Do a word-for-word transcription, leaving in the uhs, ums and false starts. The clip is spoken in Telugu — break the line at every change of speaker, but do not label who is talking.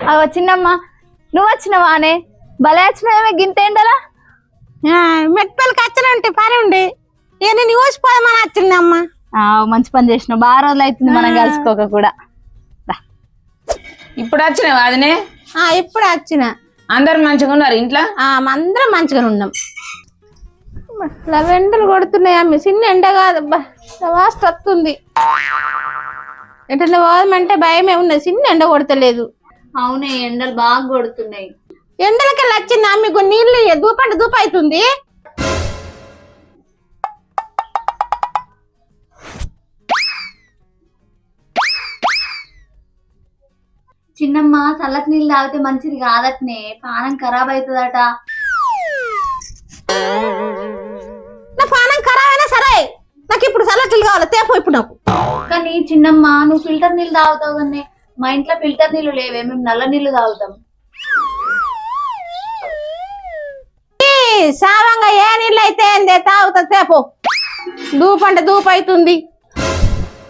అవ చిన్నమ్మ నువ్వు వచ్చినవానే భలే వచ్చినవేమే గింత ఎండలా
మెట్పల్లికి వచ్చినంటే పని ఉండి ఇక నేను ఊసిపోదామని వచ్చిందమ్మ.
మంచి పని చేసినావు, బాగా రోజులు అవుతుంది మనం కలుసుకోక కూడా.
ఇప్పుడు వచ్చినావు అదినే?
ఇప్పుడు వచ్చిన.
అందరు మంచిగా ఉన్నారు ఇంట్లో?
అందరం మంచిగా ఉన్నాం. ఇట్లా వెంటలు కొడుతున్నాయి అమ్మ, చిన్న ఎండ కాదు వాస్ట్ వస్తుంది. ఎట్లా పోదామంటే భయమే ఉన్నది, చిన్న ఎండ కొడతలేదు.
అవునే ఎండలు బాగా కొడుతున్నాయి.
ఎండలకెళ్ళి వచ్చింది మీకు నీళ్ళు దూపంటే దూప అవుతుంది.
చిన్నమ్మ చల్లటి నీళ్ళు తాగితే మంచిది కాదట్నే, పానం ఖరాబ్ అవుతుందట.
నా పానం ఖరాబ్ అయినా సరే నాకు ఇప్పుడు చల్లటి నీళ్ళు కావాలి, తేపో ఇప్పుడు నాకు.
కానీ చిన్నమ్మ నువ్వు ఫిల్టర్ నీళ్ళు తాగుతావు కానీ మా ఇంట్లో ఫిల్టర్ నీళ్ళు లేవే, మేము నల్ల నీళ్లు తాగుతాం.
సావంగా ఏ నీళ్ళు అయితే తాగుతా తేపో, దూపంటే దూప అవుతుంది.